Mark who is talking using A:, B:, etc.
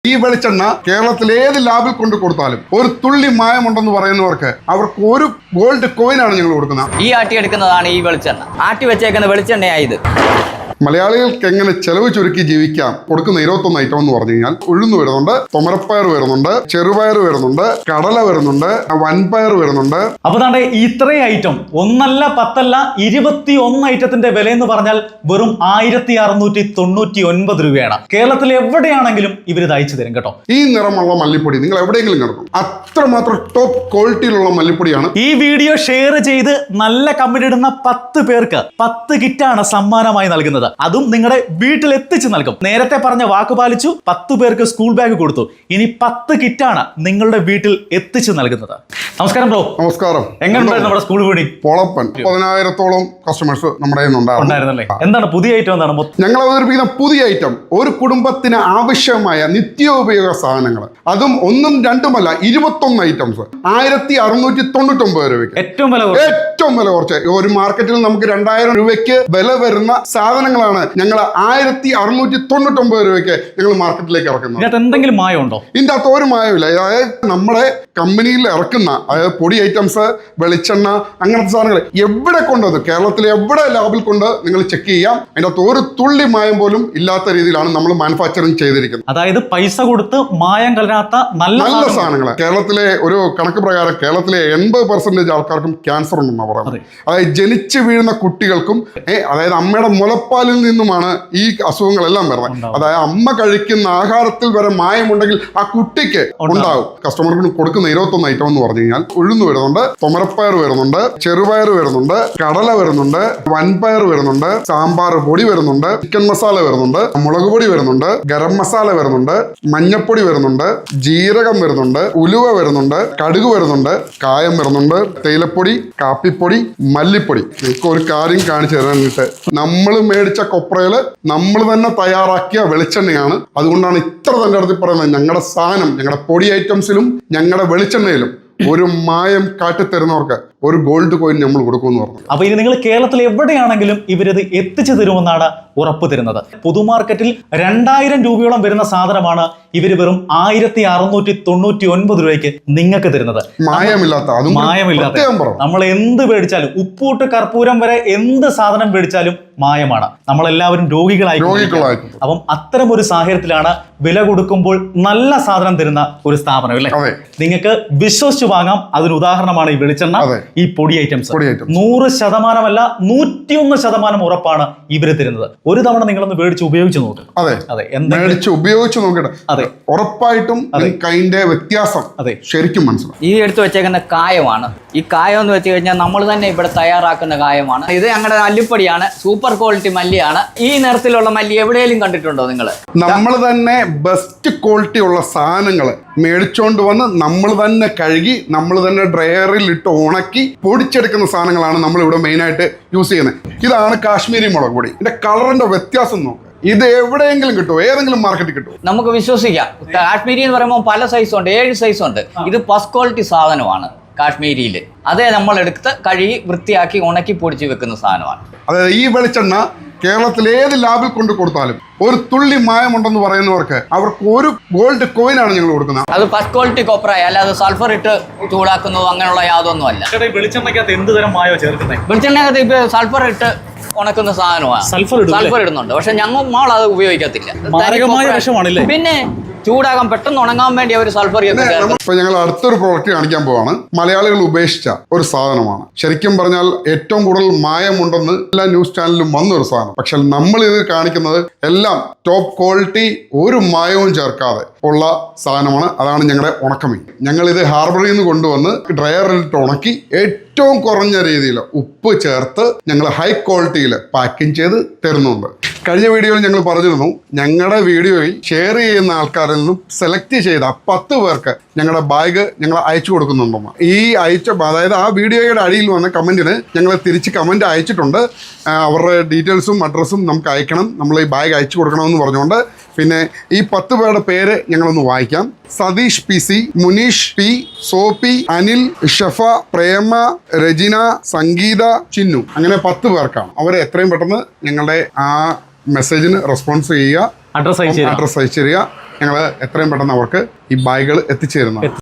A: ഈ വെളിച്ചെണ്ണ കേരളത്തിൽ ഏത് ലാബിൽ കൊണ്ട് കൊടുത്താലും ഒരു തുള്ളി മായമുണ്ടെന്ന് പറയുന്നവർക്ക് അവർക്ക് ഒരു ഗോൾഡ് കോയിനാണ് ഞങ്ങൾ കൊടുക്കുന്നത്.
B: ഈ ആട്ടിയെടുക്കുന്നതാണ് ഈ വെളിച്ചെണ്ണ. ആട്ടി വെച്ചേക്കുന്ന വെളിച്ചെണ്ണയായത്.
A: മലയാളികൾക്ക് എങ്ങനെ ചെലവ് ചുരുക്കി ജീവിക്കാം കൊടുക്കുന്ന 21 ഐറ്റം എന്ന് പറഞ്ഞു കഴിഞ്ഞാൽ ഉഴുന്ന് വരുന്നുണ്ട്, തുമരപ്പയർ വരുന്നുണ്ട്, ചെറുപയർ വരുന്നുണ്ട്, കടല വരുന്നുണ്ട്, വൻപയർ വരുന്നുണ്ട്.
C: അപ്പൊ താണ്ടെ ഇത്രയും ഐറ്റം ഒന്നല്ല 10 അല്ല 21 ഐറ്റത്തിന്റെ വില എന്ന് പറഞ്ഞാൽ വെറും 1699 രൂപയാണ്. കേരളത്തിൽ എവിടെയാണെങ്കിലും ഇവർ ഇത് അയച്ചു തരും കേട്ടോ.
A: ഈ നിറമുള്ള മല്ലിപ്പൊടി നിങ്ങൾ എവിടെയെങ്കിലും കിടക്കും, അത്രമാത്രം ടോപ്പ് ക്വാളിറ്റിയിലുള്ള മല്ലിപ്പൊടിയാണ്.
C: ഈ വീഡിയോ ഷെയർ ചെയ്ത് നല്ല കമന്റ് ഇടുന്ന 10 പേർക്ക് 10 കിറ്റാണ് സമ്മാനമായി നൽകുന്നത്. അതും നിങ്ങളുടെ വീട്ടിൽ എത്തിച്ചു നൽകും. നേരത്തെ പറഞ്ഞ വാക്ക് പാലിച്ചു. 10 പേർക്ക് സ്കൂൾ ബാഗ് കൊടുത്തു. ഇനി 10 കിറ്റാണ് നിങ്ങളുടെ വീട്ടിൽ എത്തിച്ചു നൽകുന്നത്. നമസ്കാരം ബ്രോ.
A: നമസ്കാരം.
C: എങ്ങനെയുണ്ടായിരുന്നു നമ്മുടെ സ്കൂൾ വീടി?
A: പൊളപ്പൻ. 10,000-ഓളം കസ്റ്റമേഴ്സ് നമ്മുടെ
C: ഉണ്ടായിരുന്നല്ലേ? എന്താണ് പുതിയ ഐറ്റം? എന്താണ്
A: ഞങ്ങൾ അവതരിപ്പിക്കുന്ന പുതിയ ഐറ്റം? ഒരു കുടുംബത്തിന് ആവശ്യമായ നിത്യോപയോഗ സാധനങ്ങൾ, അതും ഒന്നും രണ്ടുമല്ല 21 ഐറ്റംസ് 1699 രൂപയ്ക്ക്. ഏറ്റവും വില കുറച്ച്. ഒരു മാർക്കറ്റിൽ നമുക്ക് 2000 രൂപയ്ക്ക് വില വരുന്ന സാധനങ്ങളാണ് ഞങ്ങൾ 1699 രൂപയ്ക്ക് ഞങ്ങൾ മാർക്കറ്റിലേക്ക് ഇറക്കുന്നത്.
C: എന്തെങ്കിലും മായമുണ്ടോ?
A: ഇതിന്റെ അകത്ത് ഒരു മായമില്ല. അതായത് നമ്മുടെ കമ്പനിയിൽ ഇറക്കുന്ന അതായത് പൊടി ഐറ്റംസ്, വെളിച്ചെണ്ണ, അങ്ങനത്തെ സാധനങ്ങൾ എവിടെ കൊണ്ടത് കേരളത്തിലെ എവിടെ ലാബിൽ കൊണ്ട് നിങ്ങൾ ചെക്ക് ചെയ്യാം. അതിന്റെ അകത്ത് ഒരു തുള്ളി മായം പോലും ഇല്ലാത്ത രീതിയിലാണ് നമ്മൾ മാനുഫാക്ചറിങ് ചെയ്തിരിക്കുന്നത്.
C: അതായത് പൈസ കൊടുത്ത് മായം കലരാത്ത നല്ല
A: സാധനങ്ങൾ. കേരളത്തിലെ ഒരു കണക്ക് പ്രകാരം കേരളത്തിലെ 80% ആൾക്കാർക്കും ക്യാൻസർ ഉണ്ടെന്നാണ് പറയുന്നത്. അതായത് ജനിച്ചു വീഴുന്ന കുട്ടികൾക്കും അതായത് അമ്മയുടെ മുലപ്പാലിൽ നിന്നുമാണ് ഈ അസുഖങ്ങളെല്ലാം വരുന്നത്. അതായത് അമ്മ കഴിക്കുന്ന ആഹാരത്തിൽ വരെ മായമുണ്ടെങ്കിൽ ആ കുട്ടിക്ക് ഉണ്ടാവും. കസ്റ്റമർക്ക് കൊടുക്കുന്ന 21 ഐറ്റം എന്ന് പറഞ്ഞു കഴിഞ്ഞാൽ ഉഴുന്ന് വരുന്നുണ്ട്, തുമരപ്പയർ വരുന്നുണ്ട്, ചെറുപയർ വരുന്നുണ്ട്, കടല വരുന്നുണ്ട്, വൻപയർ വരുന്നുണ്ട്, സാമ്പാർ പൊടി വരുന്നുണ്ട്, ചിക്കൻ മസാല വരുന്നുണ്ട്, മുളക് പൊടി വരുന്നുണ്ട്, ഗരം മസാല വരുന്നുണ്ട്, മഞ്ഞപ്പൊടി വരുന്നുണ്ട്, ജീരകം വരുന്നുണ്ട്, ഉലുവ വരുന്നുണ്ട്, കടുക് വരുന്നുണ്ട്, കായം വരുന്നുണ്ട്, തേയിലപ്പൊടി, കാപ്പിപ്പൊടി, മല്ലിപ്പൊടി. നിങ്ങൾക്ക് ഒരു കാര്യം കാണിച്ചു തരാനായിട്ട്, നമ്മൾ മേടിച്ച കൊപ്രയില് നമ്മൾ തന്നെ തയ്യാറാക്കിയ വെളിച്ചെണ്ണയാണ്. അതുകൊണ്ടാണ് ഇത്ര തന്നെ അടുത്ത് പറയുന്നത്, ഞങ്ങളുടെ സാധനം, ഞങ്ങളുടെ പൊടി ഐറ്റംസിലും ഞങ്ങളുടെ വെളിച്ചെണ്ണയിലും ഒരു മായം കാട്ടിത്തരുന്നവർക്ക് ഒരു ഗോൾഡ് കോയിൻ നമ്മൾ കൊടുക്കുമെന്ന് പറഞ്ഞു.
C: അപ്പൊ ഇനി നിങ്ങൾ കേരളത്തിൽ എവിടെയാണെങ്കിലും ഇവരിത് എത്തിച്ചു തരുമെന്നാണ് ഉറപ്പ് തരുന്നത്. പൊതുമാർക്കറ്റിൽ 2000 രൂപയോളം വരുന്ന സാധനമാണ് ഇവര് വെറും 1699 രൂപയ്ക്ക് നിങ്ങൾക്ക് തരുന്നത്. മായമില്ലാത്ത നമ്മൾ എന്ത് മേടിച്ചാലും, ഉപ്പൂട്ട് കർപ്പൂരം വരെ എന്ത് സാധനം മേടിച്ചാലും മായമാണ്. നമ്മളെല്ലാവരും രോഗികളായി. അപ്പം അത്തരം ഒരു സാഹചര്യത്തിലാണ് വില കൊടുക്കുമ്പോൾ നല്ല സാധനം തരുന്ന ഒരു സ്ഥാപനം അല്ലേ? നിങ്ങൾക്ക് വിശ്വസിച്ച് വാങ്ങാം. അതിന് ഉദാഹരണമാണ് ഈ വെളിച്ചെണ്ണ, ഈ പൊടി ഐറ്റംസ്. 100% അല്ല 101% ഉറപ്പാണ് ഇവര് തരുന്നത്. ഒരു തവണ നിങ്ങളൊന്ന് മേടിച്ച് ഉപയോഗിച്ച് നോക്ക്.
A: ഉപയോഗിച്ച് നോക്കട്ടെ. ഉറപ്പായിട്ടും അതിന്റെ വ്യത്യാസം ശരിക്കും മനസ്സിലാവും.
B: ഈ എടുത്തു വെച്ചേക്കുന്ന കായമാണ്. ഈ കായം എന്ന് വെച്ച് കഴിഞ്ഞാൽ നമ്മൾ തന്നെ ഇവിടെ തയ്യാറാക്കുന്ന കായമാണ്. ഇത് ഞങ്ങളുടെ മല്ലിപ്പൊടിയാണ്. Super quality മല്ലിയാണ്. ഈ നിറത്തിലുള്ള മല്ലി എവിടെയെങ്കിലും കണ്ടിട്ടുണ്ടോ നിങ്ങൾ?
A: നമ്മൾ തന്നെ ബെസ്റ്റ് ക്വാളിറ്റി ഉള്ള സാധനങ്ങൾ മേടിച്ചോണ്ട് വന്ന് നമ്മൾ തന്നെ കഴുകി നമ്മൾ തന്നെ ഡ്രയറിൽ ഇട്ട് ഉണക്കി പൊടിച്ചെടുക്കുന്ന സാധനങ്ങളാണ് നമ്മൾ ഇവിടെ മെയിൻ ആയിട്ട് യൂസ് ചെയ്യുന്നത്. ഇതാണ് കാശ്മീരി മുളക് പൊടി. ഇതിന്റെ കളറിന്റെ വ്യത്യാസം നോക്കുക. ഇത് എവിടെയെങ്കിലും കിട്ടുമോ? ഏതെങ്കിലും മാർക്കറ്റിൽ കിട്ടുമോ?
B: നമുക്ക് വിശ്വസിക്കാം. കാശ്മീരി എന്ന് പറയുമ്പോൾ പല സൈസുണ്ട്, 7 സൈസുണ്ട്. ഇത് ഫസ്റ്റ് ക്വാളിറ്റി സാധനമാണ് കാശ്മീരിയിൽ. അതേ നമ്മൾ എടുത്ത് കഴുകി വൃത്തിയാക്കി ഉണക്കി പൊടിച്ച് വെക്കുന്ന സാധനമാണ്.
A: അതായത് ഈ വെളിച്ചെണ്ണ കേരളത്തിൽ ഏത് ലാബിൽ കൊണ്ട് കൊടുത്താലും ഒരു തുള്ളി മായമുണ്ടെന്ന് പറയുന്നവർക്ക് അവർക്ക് ഒരു ഗോൾഡ് കോയിനാണ് ഞങ്ങൾ കൊടുക്കുന്നത്.
B: അത് ഫസ്റ്റ് ക്വാളിറ്റി കൊപ്രായ, അല്ലാതെ സൾഫർ ഇട്ട് ചൂടാക്കുന്നതോ അങ്ങനെയുള്ള യാതൊന്നും അല്ല.
C: വെളിച്ചെണ്ണക്കകത്ത് എന്ത് തരം മായോ ചേർക്കുന്നത്?
B: വെളിച്ചെണ്ണക്കകത്ത് ഇപ്പൊ സൾഫർ ഇട്ട് ഉണക്കുന്ന സാധനമാണ്. സൾഫർ ഇടുന്നുണ്ട്, പക്ഷെ ഞങ്ങൾ അത് ഉപയോഗിക്കത്തില്ല. പിന്നെ ചൂടാകാൻ പെട്ടെന്ന് ഉണങ്ങാൻ വേണ്ടി അവർ സൾഫർ.
A: ഇപ്പൊ ഞങ്ങൾ അടുത്തൊരു പ്രോഡക്റ്റ് കാണിക്കാൻ പോവാണ്. മലയാളികൾ ഉപേക്ഷിച്ച ഒരു സാധനമാണ്. ശരിക്കും പറഞ്ഞാൽ ഏറ്റവും കൂടുതൽ മായമുണ്ടെന്ന് എല്ലാ ന്യൂസ് ചാനലിലും വന്നൊരു സാധനം. പക്ഷെ നമ്മൾ ഇത് കാണിക്കുന്നത് എല്ലാം ടോപ്പ് ക്വാളിറ്റി, ഒരു മായവും ചേർക്കാതെ ഉള്ള സാധനമാണ്. അതാണ് ഞങ്ങളുടെ ഉണക്കമീൻ. ഞങ്ങൾ ഇത് ഹാർബറിൽ നിന്ന് കൊണ്ടുവന്ന് ഡ്രയറിലിട്ട് ഉണക്കി ഏറ്റവും കുറഞ്ഞ രീതിയിൽ ഉപ്പ് ചേർത്ത് ഞങ്ങൾ ഹൈ ക്വാളിറ്റിയിൽ പാക്കിംഗ് ചെയ്ത് തരുന്നുണ്ട്. കഴിഞ്ഞ വീഡിയോയിൽ ഞങ്ങൾ പറഞ്ഞിരുന്നു, ഞങ്ങളുടെ വീഡിയോയിൽ ഷെയർ ചെയ്യുന്ന ആൾക്കാരിൽ നിന്നും സെലക്ട് ചെയ്ത 10 പേർക്ക് ഞങ്ങളുടെ ബാഗ് ഞങ്ങൾ അയച്ചു കൊടുക്കുന്നുണ്ടെന്ന്. ഈ അതായത് ആ വീഡിയോയുടെ അടിയിൽ വന്ന കമൻറ്റിന് ഞങ്ങൾ തിരിച്ച് കമൻറ്റ് അയച്ചിട്ടുണ്ട്. അവരുടെ ഡീറ്റെയിൽസും അഡ്രസ്സും നമുക്ക് അയക്കണം, നമ്മൾ ഈ ബാഗ് അയച്ചു കൊടുക്കണമെന്ന് പറഞ്ഞുകൊണ്ട്. പിന്നെ ഈ 10 പേരുടെ പേര് ഞങ്ങളൊന്ന് വായിക്കാം. Satheesh PC, Munish P, Sophie, Anil, Shafa, Prema, Rajina, Sangeetha, Chinnu. അങ്ങനെ 10 പേർക്കാണ്. അവരെ എത്രയും പെട്ടെന്ന് ഞങ്ങളുടെ ആ മെസ്സേജിന് റെസ്പോൺസ് ചെയ്യുക, അഡ്രസ് അയച്ചു തരിക. ഞങ്ങൾ എത്രയും പെട്ടെന്ന് അവർക്ക് ഈ ബാഗുകൾ എത്തിച്ചു തരുന്നതാണ്.